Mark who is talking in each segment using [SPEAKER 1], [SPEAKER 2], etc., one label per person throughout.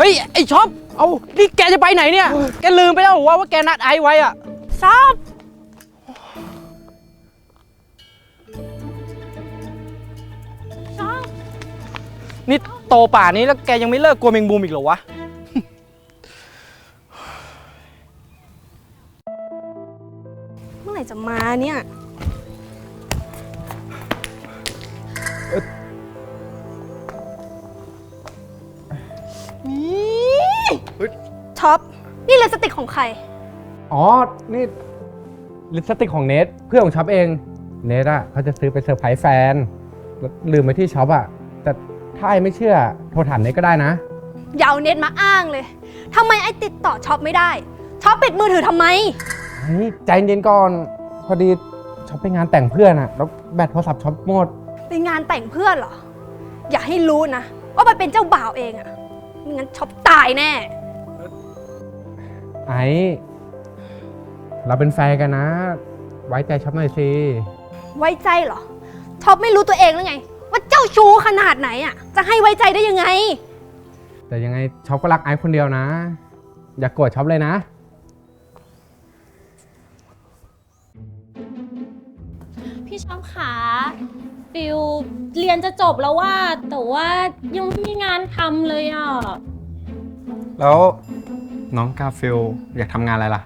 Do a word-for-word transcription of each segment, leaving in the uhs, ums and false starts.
[SPEAKER 1] ฮ้ยไอ้ช็อปเอานี่แกจะไปไหนเนี่ยแกลืมไปแล้วหรอว่าว่าแกนัดไอซ์ไว้อะ
[SPEAKER 2] ช็อปช็อป
[SPEAKER 1] นี่โตป่านนี้แล้วแกยังไม่เลิกกลัวแมงมุมอีกเหรอวะ
[SPEAKER 2] เมื่อไหร่จะมาเนี่ยช็อปนี่ลิปสติกของใคร
[SPEAKER 3] อ๋อนี่ลิปสติกของเนทเพื่อนของช็อปเองเนทอ่ะเขาจะซื้อไปเซอร์ไพรส์แฟนลืมไปที่ช็อปอ่ะแต่ถ้าไอ้ไม่เชื่อโทรถามเนทก็ได้นะ
[SPEAKER 2] อย่าเอาเน็ตมาอ้างเลยทำไมไอ้ติดต่อช็อปไม่ได้ช็อปปิดมือถือทำไม
[SPEAKER 3] ไอ้ใจเย็นก่อนพอดีช็อปไปงานแต่งเพื่อนอ่ะแล้วแบตโทรศัพท์ช็อปหมด
[SPEAKER 2] ไปงานแต่งเพื่อนเหรออย่าให้รู้นะว่ามันเป็นเจ้าบ่าวเองอ่ะไม่งั้นช็อปตายแน่
[SPEAKER 3] ไอ้เราเป็นแฟนกันนะไว้ใจช็อปหน่อยสิ
[SPEAKER 2] ไว้ใจเหรอช็อปไม่รู้ตัวเองหรือไงว่าเจ้าชู้ขนาดไหนอ่ะจะให้ไว้ใจได้ยังไง
[SPEAKER 3] แต่ยังไงช็อปก็รักไอ้คนเดียวนะอย่าโกรธช็อปเลยนะ
[SPEAKER 4] พี่ช็อปขาฟิวเรียนจะจบแล้วว่าแต่ว่ายังไม่มีงานทำเลยอ่ะ
[SPEAKER 3] แล้วน้องกาฟิลอยากทำงานอะไรล่ะ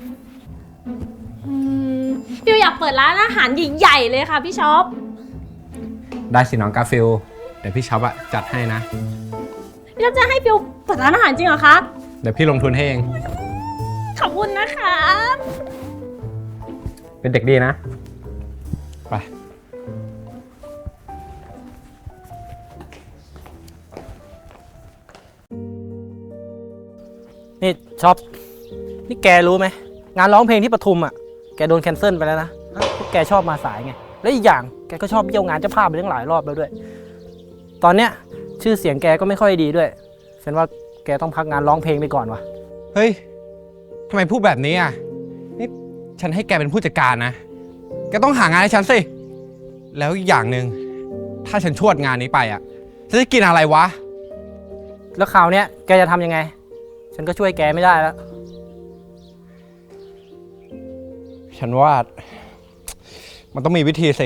[SPEAKER 4] ฟิวอยากเปิดร้านอาหารใหญ่ๆเลยค่ะพี่ช็อป
[SPEAKER 3] ได้สิน้องกาฟิลเดี๋ยวพี่ช็อปอะจัดให้นะ
[SPEAKER 4] พี่ช็อปจะให้ฟิวเปิดร้านอาหารจริงเหรอคะ
[SPEAKER 3] เดี๋ยวพี่ลงทุนให้เอง
[SPEAKER 4] ขอบคุณนะคะ
[SPEAKER 3] เป็นเด็กดีนะไป
[SPEAKER 1] นี่ช็อปนี่แกรู้ไหมงานร้องเพลงที่ปทุมอ่ะแกโดนแคนเซิลไปแล้วนะพวกแกชอบมาสายไงและอีกอย่างแกก็ชอบเบี้ยวงานเจ้าภาพไปตั้งหลายรอบแล้วด้วยตอนเนี้ยชื่อเสียงแกก็ไม่ค่อยดีด้วยฉันว่าแกต้องพักงานร้องเพลงไปก่อนวะ
[SPEAKER 3] เฮ้ยทำไมพูดแบบนี้อ่ะนี่ฉันให้แกเป็นผู้จัดการนะแกต้องหางานให้ฉันสิแล้วอีกอย่างหนึ่งถ้าฉันชวดงานนี้ไปอ่ะฉันจะกินอะไรวะ
[SPEAKER 1] แล้วคราวเนี้ยแกจะทำยังไงฉันก็ช่วยแกไม่ได้แล้ว
[SPEAKER 3] ฉันว่ามันต้องมีวิธีสิ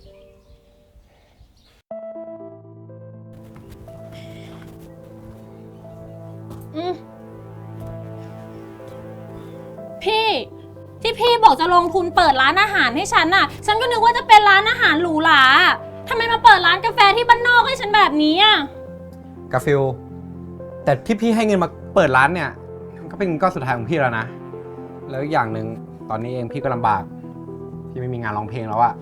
[SPEAKER 4] พี่ที่พี่บอกจะลงทุนเปิดร้านอาหารให้ฉันน่ะฉันก็นึกว่าจะเป็นร้านอาหารหรูหราทำไมมาเปิดร้านกาแฟที่บ้านนอกให้ฉันแบบนี้อ่ะ
[SPEAKER 3] กาฟิลแต่ที่พี่ให้เงินมาเปิดร้านเนี่ยก็เป็นเงินก้อนสุดท้ายของพี่แล้วนะแล้วอีกอย่างหนึ่งตอนนี้เองพี่ก็ลำบากพี่ไม่มีงานร้องเพลงแล้วอะ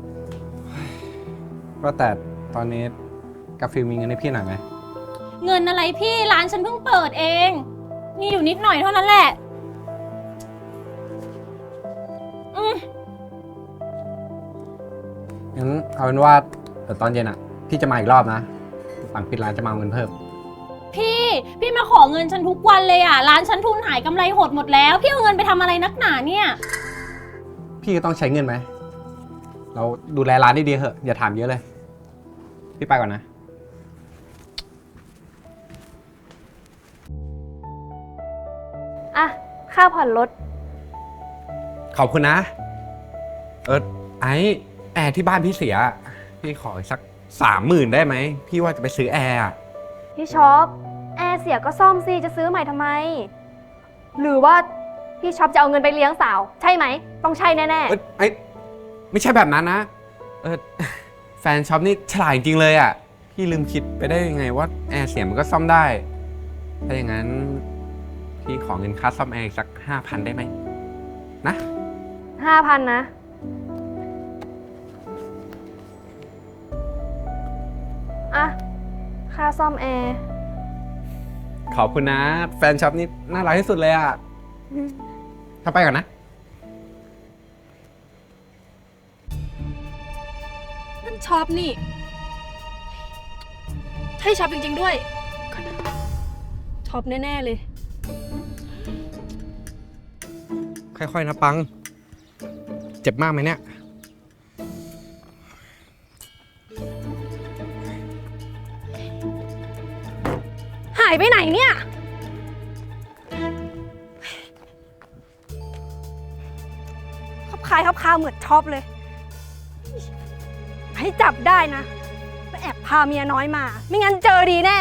[SPEAKER 3] ว่าแต่ตอนนี้กาฟิลมีเงินให้พี่หน่อยไหม
[SPEAKER 4] เงินอะไรพี่ร้านฉันเพิ่งเปิดเองมีอยู่นิดหน่อยเท่านั้นแหละอืม
[SPEAKER 3] งั้นเอาเป็นว่าเดี๋ยวตอนเย็นอะพี่จะมาอีกรอบนะหลังปิดร้านจะมาเอาเงินเพิ่ม
[SPEAKER 4] พี่พี่มาขอเงินฉันทุกวันเลยอ่ะร้านฉันทุนหายกำไรหดหมดแล้วพี่เอาเงินไปทำอะไรนักหนาเนี่ย
[SPEAKER 3] พี่ก็ต้องใช้เงินไหมเราดูแลร้านดีๆเถอะอย่าถามเยอะเลยพี่ไปก่อนนะ
[SPEAKER 2] อ่ะค่าผ่อนรถ
[SPEAKER 3] ขอบคุณนะเออไอแอร์ที่บ้านพี่เสียพี่ขอสักสามหมื่นได้ไหมพี่ว่าจะไปซื้อแอร์
[SPEAKER 2] พี่ช็อปแอร์เสียก็ซ่อมสิจะซื้อใหม่ทำไมหรือว่าพี่ช็อปจะเอาเงินไปเลี้ยงสาวใช่ไหมต้องใช่แน่ๆ
[SPEAKER 3] เออไอไม่ใช่แบบนั้นนะเออแฟนช็อปนี่ฉลาดจริงเลยอ่ะพี่ลืมคิดไปได้ยังไงว่าแอร์เสียมันก็ซ่อมได้ถ้าอย่างนั้นพี่ขอเงินค่าซ่อมแอร์สักห้าพันได้ไหมนะ
[SPEAKER 2] ห้าพันนะอ่ะค่าซ่อมแอร์
[SPEAKER 3] ขอบคุณนะแฟนช็อปนี่น่ารักที่สุดเลยอ่ะถ้าไปก่อนนะ
[SPEAKER 2] นั่นช็อปนี่ใช่ช็อปจริงๆด้วยช็อปแน่ๆเลย
[SPEAKER 3] ค่อยๆนะปังเจ็บมากไหมเนี่ย
[SPEAKER 2] หายไปไหนเนี่ยขับคายขับคาเหมือนช็อปเลย ให้จับได้นะว่าแอบพาเมียน้อยมา ไม่งั้นเจอดีแน่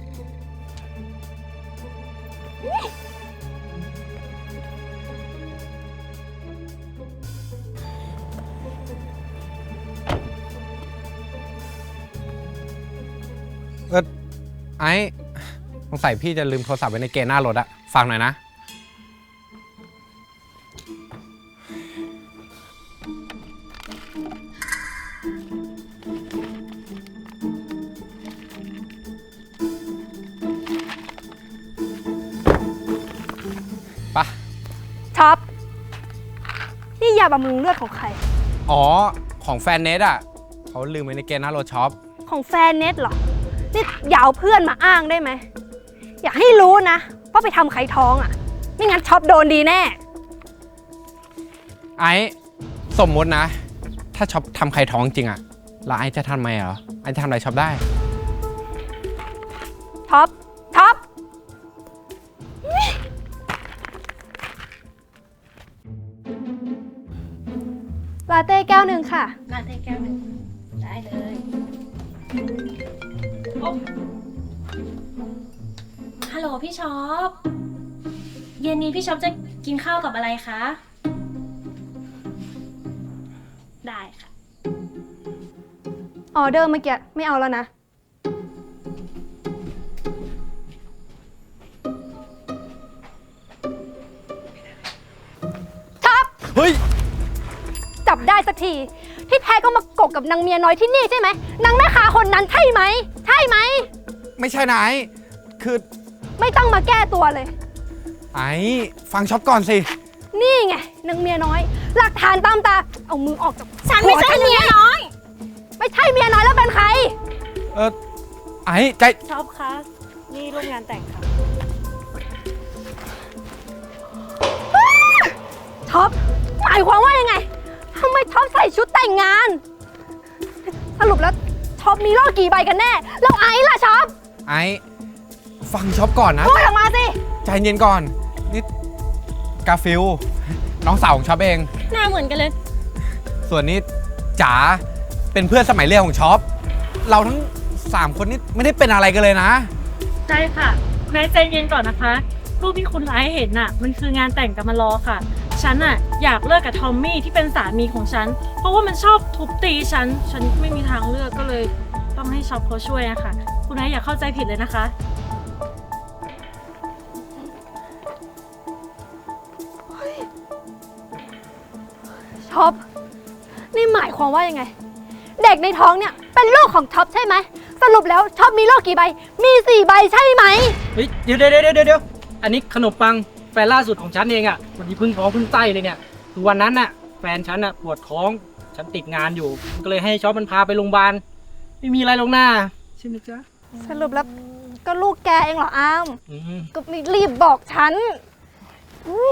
[SPEAKER 3] เออไอ้สงสัยพี่จะลืมโทรศัพท์ไว้ในเกณฑ์หน้ารถอะฟังหน่อยนะ ปะ
[SPEAKER 2] ช็อป นี่ยาบำรุงเลือดของใคร
[SPEAKER 3] อ๋อ ของแฟนเนทอะเขาลืมไว้ในเกณฑ์หน้ารถช็อป
[SPEAKER 2] ของแฟนเน็ตเหรอ นี่อย่าเอาเพื่อนมาอ้างได้ไหม อย่าให้รู้นะว่าไปทำใครท้องอ่ะ ไม่งั้นช็อปโดนดีแน่
[SPEAKER 3] ไอ้สมมุตินะ ถ้าช็อปทำใครท้องจริงอะแล้วไอ้จะทำไมเหรอ ไอ้จะทำอะไรช็อปได้
[SPEAKER 2] ท็อป ท็อป ลาเต้แก้วหนึ่งค่ะ
[SPEAKER 4] ลาเต้แก้วหนึ่งได้เลยโอ้ฮัลโหลพี่ช็อป เย็นนี้พี่ช็อปจะกินข้าวกับอะไรคะ ได้ค่ะ
[SPEAKER 2] ออเดอร์เมื่อกี้ไม่เอาแล้วนะ ท็อป
[SPEAKER 3] เฮ้ย
[SPEAKER 2] จับได้สักที ที่แท้ก็มากกกับนางเมียน้อยที่นี่ใช่ไหมนางแม่ค้าคนนั้นใช่ไหม ใช่ไหม
[SPEAKER 3] ไม่ใช่นะไอ้คือ
[SPEAKER 2] ไม่ต้องมาแก้ตัวเลย
[SPEAKER 3] ไอ้ฟังช็อปก่อนสิ
[SPEAKER 2] นี่ไงนางเมียน้อย หลักฐานตามตา เอามือออกจาก
[SPEAKER 4] ฉันไม่ใช่
[SPEAKER 2] หัว
[SPEAKER 4] เมียน้อย
[SPEAKER 2] ไม่ใช่เมียน้อยแล้วเป็นใคร
[SPEAKER 3] เออไอ้ใจ
[SPEAKER 5] ช็อปคะ นี่ร่วมงานแต่งค่ะ
[SPEAKER 2] ท็อป หมายความว่ายังไงทำไมท็อปใส่ชุดแต่งงาน สรุปแล้วท็อปมีโลกกี่ใบกันแน่ แล้วไอ้ล่ะช็อป
[SPEAKER 3] ไอ้ฟังช็อปก่อนนะ
[SPEAKER 2] พูดออกมาสิ
[SPEAKER 3] ใจเย็นก่อน นี่กาฟิลน้องสาวของช็อปเอง
[SPEAKER 4] หน้าเหมือนกันเลย
[SPEAKER 3] ส่วนนี้จ๋าเป็นเพื่อนสมัยเรียนของช็อป เราทั้งสามคนนี่ไม่ได้เป็นอะไรกันเลยนะ
[SPEAKER 5] ใช่ค่ะแม่ใจเย็นก่อนนะคะ รูปที่คุณไลฟ์เห็นน่ะ มันคืองานแต่งกำมารอค่ะ ฉันน่ะอยากเลิกกับทอมมี่ที่เป็นสามีของฉัน เพราะว่ามันชอบทุบตีฉัน ฉันไม่มีทางเลือกก็เลยต้องให้ช็อปเขาช่วยอะค่ะ คุณไอซ์อย่าเข้าใจผิดเลยนะคะ
[SPEAKER 2] ท็อป นี่หมายความว่ายังไง เด็กในท้องเนี่ยเป็นลูกของท็อปใช่ไหม สรุปแล้วท็อปมีโลกกี่ใบ มีสี่ใบใช่ไหม
[SPEAKER 1] เฮ้ยเดี๋ยวเดี๋ยวเดี๋ยวเดี๋ยวอันนี้ขนมปังแฟนล่าสุดของฉันเองอะวันนี้เพิ่งท้องเพิ่งไส้เลยเนี่ยคือวันนั้นน่ะแฟนฉันน่ะปวดท้องฉันติดงานอยู่ผมก็เลยให้ช็อปมันพาไปโรงพยาบาลไม่มีอะไรหรอกหน้าใช่ไหมจ๊ะ
[SPEAKER 2] สรุปแล้วก็ลูกแกเองเหรออ้าม
[SPEAKER 1] อืม
[SPEAKER 2] ก็ไม่รีบบอกฉันอุ๊ย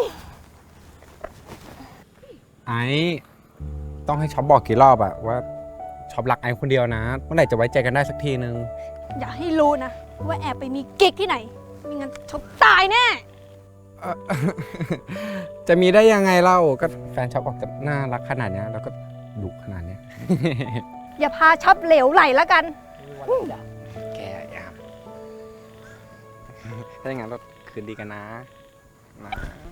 [SPEAKER 3] ไอ้ต้องให้ช็อปบอกกี่รอบอะว่าช็อปรักไอ้คนเดียวนะเมื่อไหร่จะไว้ใจกันได้สักทีนึง
[SPEAKER 2] อย่าให้รู้นะ ว่าแอบไปมีกิ๊กที่ไหนไม่งั้นช็อปตายแน่
[SPEAKER 3] เอ่อ จะมีได้ยังไงเล่าก็แฟนช็อปออกจะน่ารักขนาดเนี้ยแล้วก็ดุขนาดเนี้ย
[SPEAKER 2] อย่าพาช็อปเหลวไหลแล้วกัน
[SPEAKER 3] แกอย่าถ้าอย่างนั้นเราคืนดีกันนะนะ